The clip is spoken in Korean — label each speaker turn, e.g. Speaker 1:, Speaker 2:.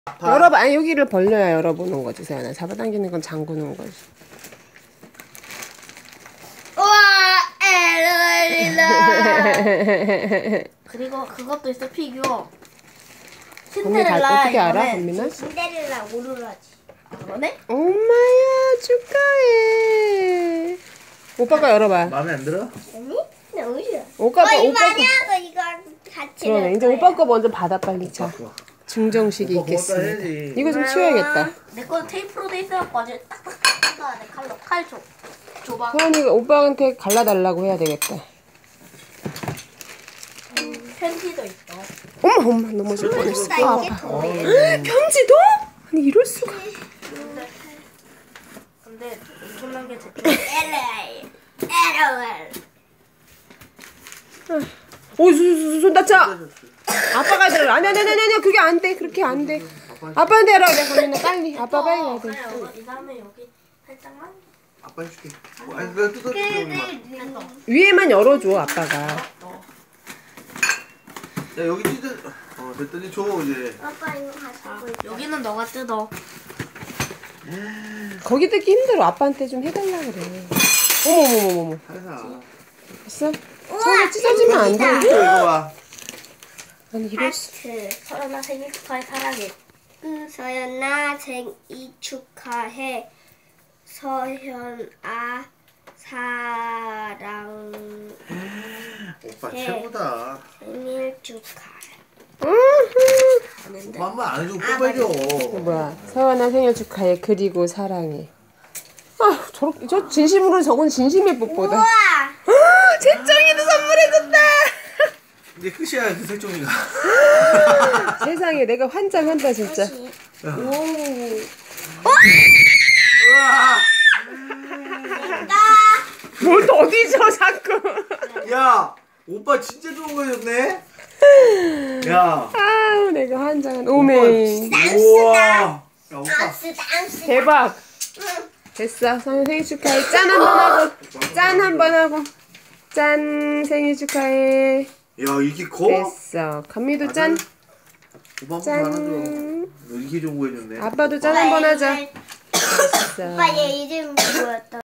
Speaker 1: 열어봐. 아니, 여기를 벌려야 열어보는 거지, 서연아. 잡아당기는 건 잠그는 거지.
Speaker 2: 우와, 에르리라. 그리고 그것도 있어, 피규어. 신데렐라.
Speaker 1: 어떻게 알아, 건민아?
Speaker 2: 신데렐라 오로라지. 그러네?
Speaker 1: 엄마야, 축하해. 오빠가 열어봐.
Speaker 3: 마음에 안 들어?
Speaker 2: 아니? 너무 싫어.
Speaker 1: 오빠 거.
Speaker 2: 이거 같이.
Speaker 1: 그러네. 이제 오빠 거 먼저 받아, 빨리. 자,
Speaker 3: 바꿔.
Speaker 1: 증정식이
Speaker 3: 오빠 고맙다
Speaker 1: 있겠습니다.
Speaker 3: 해야지.
Speaker 1: 이거 좀 치워야겠다.
Speaker 2: 내 거는 테이프로 돼 있어갖고 아주 딱딱딱 뜯어야 돼. 칼 줘. 줘봐.
Speaker 1: 서연이가 오빠한테 갈라달라고 해야 되겠다.
Speaker 2: 편지도 있어.
Speaker 1: 엄마, 넘어질 뻔했어.
Speaker 2: 나
Speaker 1: 아,
Speaker 2: 이게
Speaker 1: 아파.
Speaker 2: 더 해.
Speaker 1: 편지도? 아니, 이럴 수가.
Speaker 2: 근데 엄청난 게 LL.
Speaker 1: 오, 손 다쳐. 아빠가 들어. 아니, 그게 안 돼. 그렇게 안 돼. 아빠한테 하라고 돼, 건민아. 빨리. 아빠 빨리 해야 돼.
Speaker 2: 이 다음에 여기 살짝만.
Speaker 3: 아빠 해줄게. 아니 내가 뜯어줄게.
Speaker 2: 됐어.
Speaker 1: 위에만 열어줘, 아빠가.
Speaker 3: 야 여기 찢어. 됐더니 줘 이제.
Speaker 2: 아빠 이거 가지고 있어. 여기는 너가 뜯어.
Speaker 1: 거기 뜯기 힘들어. 아빠한테 좀 해달라 그래. 어머머머머머.
Speaker 3: 살살.
Speaker 1: 됐어? 손에 찢어지면 안 돼.
Speaker 3: 이거 봐.
Speaker 1: 아니, 이럴 수.
Speaker 2: 서연아 생일 축하해 사랑해. 서연아 생일 축하해. 서연아 사랑.
Speaker 3: 오빠 최고다.
Speaker 2: 생일 축하해.
Speaker 3: 오빠 한 번 안 해주고 뽀뽀해줘.
Speaker 1: 뭐야. 서연아 생일 축하해. 그리고 사랑해. 아, 저 진심으로 저건 진심의 뽀뽀다.
Speaker 2: 우와.
Speaker 1: 재정이도 선물해줬다.
Speaker 3: 이제 끝이야 그 색종이가.
Speaker 1: 세상에, 내가 환장한다, 진짜.
Speaker 3: 우와.
Speaker 1: 뭘 또 어디서 자꾸.
Speaker 3: 야 오빠 진짜 좋은 거 줬네. 야.
Speaker 1: 아우, 내가 환장한다. 오메.
Speaker 3: 우와. 야 오빠.
Speaker 2: dan스.
Speaker 1: 대박. 됐어. 서연 생일 축하해. 짠 한 번 하고. 짠 한 번 하고. 짠, 생일 축하해.
Speaker 3: 야 이게 커?
Speaker 1: 됐어. 감미도 짠.
Speaker 3: 오빠 한번
Speaker 1: 짠.
Speaker 3: 안아줘. 너 이렇게 좋은 거 해줬네.
Speaker 1: 아빠도 짠 한 번 하자. 됐어.
Speaker 2: 오빠 얘 이름 뭐였다?